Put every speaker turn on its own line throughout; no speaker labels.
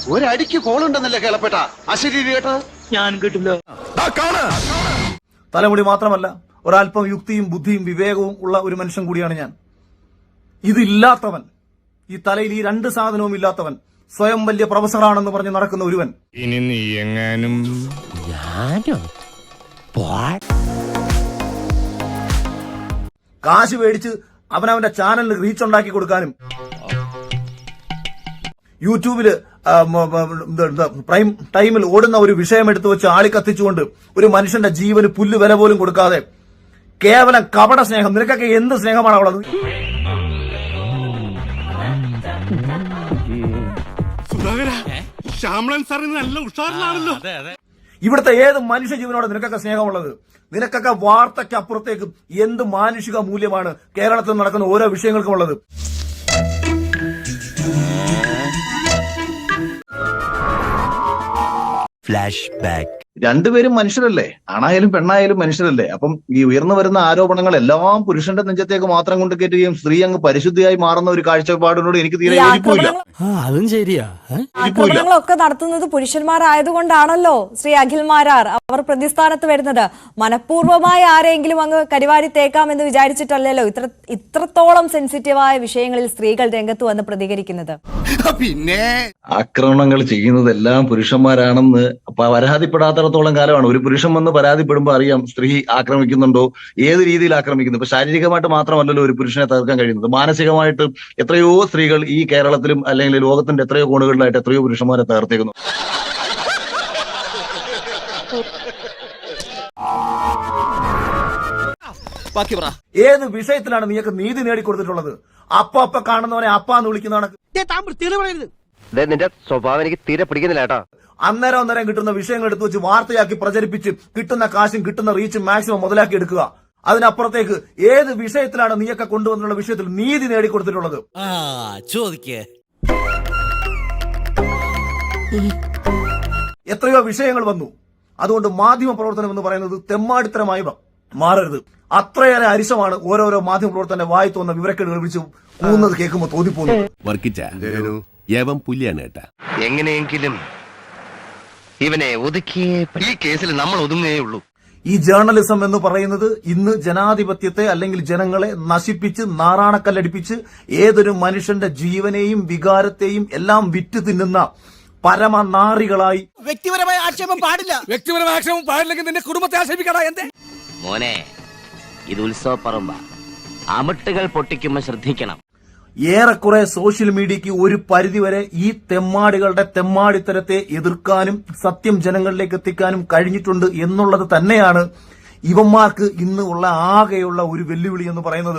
ഒരടിക്ക് കോളുണ്ടെന്നല്ലേ കേളപ്പെട്ട അശരീരി കേട്ടോ ഞാൻ കേട്ടില്ല.
തലമുടി മാത്രമല്ല, ഒരല്പം യുക്തിയും ബുദ്ധിയും വിവേകവും ഉള്ള ഒരു മനുഷ്യൻ കൂടിയാണ് ഞാൻ. ഇതില്ലാത്തവൻ, ഈ തലയിൽ ഈ രണ്ട് സാധനവും ഇല്ലാത്തവൻ, സ്വയം വലിയ പ്രൊഫസറാണെന്ന് പറഞ്ഞ് നടക്കുന്ന ഒരുവൻ,
ഇനി നീ എങ്ങാനും
കാശ് മേടിച്ച് അവനവന്റെ ചാനലിന് റീച്ച് ഉണ്ടാക്കി കൊടുക്കാനും യൂട്യൂബില് പ്രൈം ടൈമിൽ ഓടുന്ന ഒരു വിഷയം എടുത്തു വെച്ച് ആളി കത്തിച്ചുകൊണ്ട് ഒരു മനുഷ്യന്റെ ജീവന് പുല്ല് വില പോലും കൊടുക്കാതെ കേവലം കപട സ്നേഹം. നിനക്കൊക്കെ എന്ത് സ്നേഹമാണ് ഉള്ളത്? ഇവിടുത്തെ ഏത് മനുഷ്യജീവനോട് നിനക്കൊക്കെ സ്നേഹമുള്ളത്? നിനക്കൊക്കെ വാർത്തയ്ക്ക് അപ്പുറത്തേക്ക് എന്ത് മാനുഷിക മൂല്യമാണ് കേരളത്തിൽ നടക്കുന്ന ഓരോ വിഷയങ്ങൾക്കും ഉള്ളത്?
Flash back.
രണ്ടുപേരും മനുഷ്യരല്ലേ, ആണായാലും പെണ്ണായാലും മനുഷ്യരല്ലേ. അപ്പം ഈ ഉയർന്നു വരുന്ന ആരോപണങ്ങൾ എല്ലാം പുരുഷന്റെ നെഞ്ചത്തേക്ക് മാത്രം കൊണ്ട് കയറ്റുകയും സ്ത്രീ അങ്ങ് പരിശുദ്ധിയായി മാറുന്ന ഒരു കാഴ്ചപ്പാടിനോട് എനിക്ക് തീരെ യോജിപ്പില്ല.
അതും ശരിയാ.
ആക്രമണങ്ങളൊക്കെ നടത്തുന്നത് പുരുഷന്മാരായതുകൊണ്ടാണല്ലോ ശ്രീ അഖിൽ മാരാർ അവർ പ്രതിസ്ഥാനത്ത് വരുന്നത്. മനഃപൂർവ്വമായി ആരെങ്കിലും അങ്ങ് കരിവാരി തേക്കാമെന്ന് വിചാരിച്ചിട്ടല്ലല്ലോ ഇത്രത്തോളം സെൻസിറ്റീവായ വിഷയങ്ങളിൽ സ്ത്രീകൾ രംഗത്ത് വന്ന് പ്രതികരിക്കുന്നത്.
പിന്നെ ആക്രമണങ്ങൾ ചെയ്യുന്നതെല്ലാം പുരുഷന്മാരാണെന്ന് പരാതിപ്പെടാത്തിടത്തോളം കാലമാണ്. ഒരു പുരുഷൻ വന്ന് പരാതിപ്പെടുമ്പോൾ അറിയാം സ്ത്രീ ആക്രമിക്കുന്നുണ്ടോ, ഏത് രീതിയിൽ ആക്രമിക്കുന്നു. ഇപ്പൊ ശാരീരികമായിട്ട് മാത്രമല്ലല്ലോ ഒരു പുരുഷനെ തകർക്കാൻ കഴിയുന്നത്, മാനസികമായിട്ട് എത്രയോ സ്ത്രീകൾ ഈ കേരളത്തിലും അല്ലെങ്കിൽ ലോകത്തിന്റെ എത്രയോ കോണുകളിലായിട്ട് എത്രയോ പുരുഷന്മാരെ തകർത്തേക്കുന്നു.
ഏത് വിഷയത്തിലാണ് നീയൊക്കെ നീതി നേടിക്കൊടുത്തിട്ടുള്ളത്? അപ്പ കാണുന്നവനെ അപ്പാന്ന് വിളിക്കുന്നതാണ്.
നിന്റെ സ്വഭാവം എനിക്ക് തീരെ പിടിക്കുന്നില്ല കേട്ടോ.
അന്നേരം കിട്ടുന്ന വിഷയങ്ങൾ എടുത്തു വെച്ച് വാർത്തയാക്കി പ്രചരിപ്പിച്ച് കിട്ടുന്ന കാശും കിട്ടുന്ന റീച്ചും മാക്സിമം മുതലാക്കി എടുക്കുക. അതിനപ്പുറത്തേക്ക് ഏത് വിഷയത്തിലാണ് നീയൊക്കെ കൊണ്ടുവന്നുള്ള വിഷയത്തിൽ നീതി നേടിക്കൊടുത്തിട്ടുള്ളത്? എത്രയോ വിഷയങ്ങൾ വന്നു. അതുകൊണ്ട് മാധ്യമ പ്രവർത്തനം എന്ന് പറയുന്നത് തെമ്മാടിത്തരമായി മാറരുത്. അത്രയേറെ അരിശമാണ് ഓരോരോ മാധ്യമ പ്രവർത്തന വായി തോന്നുന്ന വിവരക്കേടുകൾ വിളിച്ച് പോകുന്നത് കേൾക്കുമ്പോൾ തോന്നിപ്പോകുന്നത്.
എങ്ങനെയെങ്കിലും ഇവനെ ഒതുക്കിയേ ഈ കേസിൽ നമ്മൾ ഒതുങ്ങുകയേ ഉള്ളൂ.
ഈ ജേർണലിസം എന്ന് പറയുന്നത് ഇന്ന് ജനാധിപത്യത്തെ അല്ലെങ്കിൽ ജനങ്ങളെ നശിപ്പിച്ച് നാറാണക്കല്ലടിപ്പിച്ച് ഏതൊരു മനുഷ്യന്റെ ജീവനെയും വികാരത്തെയും എല്ലാം വിറ്റ് തിന്നുന്ന പരമനാറികളായി.
വ്യക്തിപരമായ ആക്ഷേപം പാടില്ല. വ്യക്തിപരമായ ആക്ഷേപം പാടില്ലെങ്കിൽ നിന്റെ കുടുംബത്തെ ആക്ഷേപിക്കടാ. എന്തേ
മോനെ, ഇത് ഉത്സവപ്പറമ്പ, അമിട്ടുകൾ പൊട്ടിക്കുമ്പോ ശ്രദ്ധിക്കണം.
ഏറെക്കുറെ സോഷ്യൽ മീഡിയയ്ക്ക് ഒരു പരിധിവരെ ഈ തെമ്മാടികളുടെ തെമ്മാടിത്തരത്തെ എതിർക്കാനും സത്യം ജനങ്ങളിലേക്ക് എത്തിക്കാനും കഴിഞ്ഞിട്ടുണ്ട് എന്നുള്ളത് തന്നെയാണ് ഇവന്മാർക്ക് ഇന്ന് ഉള്ള ആകെയുള്ള ഒരു വെല്ലുവിളി എന്ന് പറയുന്നത്.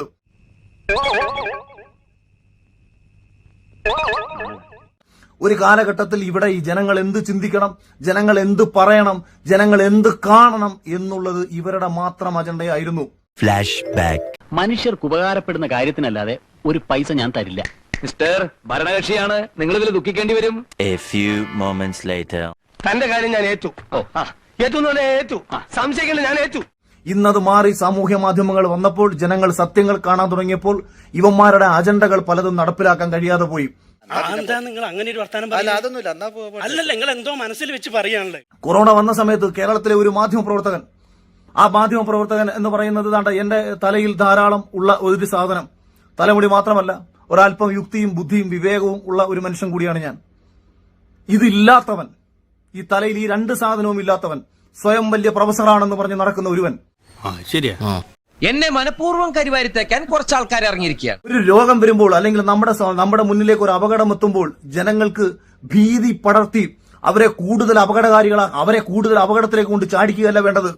ഒരു കാലഘട്ടത്തിൽ ഇവിടെ ഈ ജനങ്ങൾ എന്ത് ചിന്തിക്കണം, ജനങ്ങൾ എന്ത് പറയണം, ജനങ്ങൾ എന്ത് കാണണം എന്നുള്ളത് ഇവരുടെ മാത്രം അജണ്ടയായിരുന്നു.
Flash back.
മനുഷ്യർക്ക് ഉപകാരപ്പെടുന്ന കാര്യത്തിനല്ലാതെ ഒരു പൈസ ഞാൻ തരില്ല.
മിസ്റ്റർ ഭരണകക്ഷിയാണ്, നിങ്ങൾ ഇതിൽ ദുഃഖിക്കേണ്ടി വരും.
A few moments later.
തന്റെ കാര്യം ഞാൻ ഏറ്റു. ഏറ്റു സംശയിക്കില്ല, ഞാൻ ഏറ്റു.
ഇന്നത് മാറി സാമൂഹ്യ മാധ്യമങ്ങൾ വന്നപ്പോൾ ജനങ്ങൾ സത്യങ്ങൾ കാണാൻ തുടങ്ങിയപ്പോൾ ഇവന്മാരുടെ അജണ്ടകൾ പലതും നടപ്പിലാക്കാൻ കഴിയാതെ പോയി.
നിങ്ങൾ അങ്ങനെ ഒരു വർത്താനം അല്ലല്ല, നിങ്ങൾ എന്തോ മനസ്സിൽ വെച്ച് പറയാണല്ലേ.
കൊറോണ വന്ന സമയത്ത് കേരളത്തിലെ ഒരു മാധ്യമപ്രവർത്തകൻ, ആ മാധ്യമപ്രവർത്തകൻ എന്ന് പറയുന്നത് എന്റെ തലയിൽ ധാരാളം ഉള്ള ഒരു സാധനം, തലമുടി മാത്രമല്ല, ഒരല്പം യുക്തിയും ബുദ്ധിയും വിവേകവും ഉള്ള ഒരു മനുഷ്യൻ കൂടിയാണ് ഞാൻ. ഇതില്ലാത്തവൻ, ഈ തലയിൽ ഈ രണ്ട് സാധനവും ഇല്ലാത്തവൻ, സ്വയം വലിയ പ്രൊഫസറാണെന്ന് പറഞ്ഞ് നടക്കുന്ന ഒരുവൻ,
ശരിയാ,
എന്നെ മനഃപൂർവ്വം കരിവാരിത്തേക്കാൻ കുറച്ച് ആൾക്കാർ ഇറങ്ങിയിരിക്കുകയാണ്.
ഒരു രോഗം വരുമ്പോൾ അല്ലെങ്കിൽ നമ്മുടെ മുന്നിലേക്ക് ഒരു അപകടം എത്തുമ്പോൾ ജനങ്ങൾക്ക് ഭീതി പടർത്തി അവരെ കൂടുതൽ അവരെ കൂടുതൽ അപകടത്തിലേക്ക് കൊണ്ട് ചാടിക്കുകയല്ല വേണ്ടത്.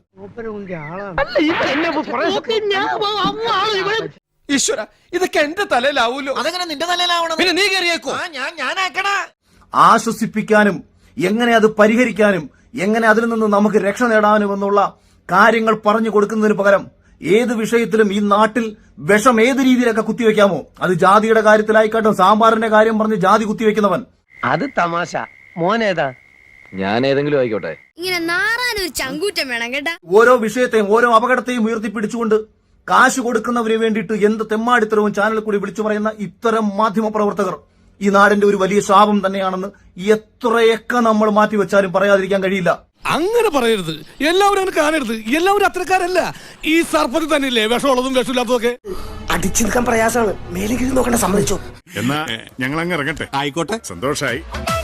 ഈശ്വര, ഇതൊക്കെ എന്റെ തലയിലാവൂലോ. അതെങ്ങനെ നിന്റെ തലയിലാവണം? പിന്നെ നീ കയറിയേക്കോ.
ആശ്വസിപ്പിക്കാനും എങ്ങനെ അത് പരിഹരിക്കാനും എങ്ങനെ അതിൽ നിന്ന് നമുക്ക് രക്ഷ നേടാനും എന്നുള്ള കാര്യങ്ങൾ പറഞ്ഞു കൊടുക്കുന്നതിന് പകരം ഏത് വിഷയത്തിലും ഈ നാട്ടിൽ വിഷം ഏത് രീതിയിലൊക്കെ കുത്തിവെക്കാമോ, അത് ജാതിയുടെ കാര്യത്തിലായിക്കോട്ടെ, സാമ്പാറിന്റെ കാര്യം പറഞ്ഞ് ജാതി കുത്തിവെക്കുന്നവൻ.
അത് തമാശ. മോനേതാ? ഞാൻ ഏതെങ്കിലും ആയിക്കോട്ടെ.
ഇങ്ങനെ നാറാനൊരു ചങ്കൂറ്റം വേണം കേട്ടാ.
ഓരോ വിഷയത്തെയും ഓരോ അപകടത്തെയും ഉയർത്തിപ്പിടിച്ചുകൊണ്ട് കാശ് കൊടുക്കുന്നവന് വേണ്ടിയിട്ട് എന്ത് തെമ്മാടിത്തരവും ചാനലിൽ കൂടി വിളിച്ചു പറയുന്ന ഇത്തരം മാധ്യമ പ്രവർത്തകർ ഈ നാടിന്റെ ഒരു വലിയ ശാപം തന്നെയാണെന്ന് എത്രയൊക്കെ നമ്മൾ മാറ്റിവെച്ചാലും പറയാതിരിക്കാൻ കഴിയില്ല.
അങ്ങനെ പറയരുത്. എല്ലാവരും അങ്ങനെ കാണരുത്. എല്ലാവരും അത്രക്കാരല്ല. ഈ സർപ്പത്തിൽ തന്നെയില്ലേ വിഷമുള്ളതും വിഷമില്ലാത്തതൊക്കെ.
അടിച്ചു നിൽക്കാൻ പ്രയാസമാണ്. മേലേക്ക് നോക്കണ്ട, സമ്മതിച്ചോ?
എന്നാ ഞങ്ങൾ അങ്ങ് ഇറങ്ങട്ടെ. ആയിക്കോട്ടെ, സന്തോഷായി.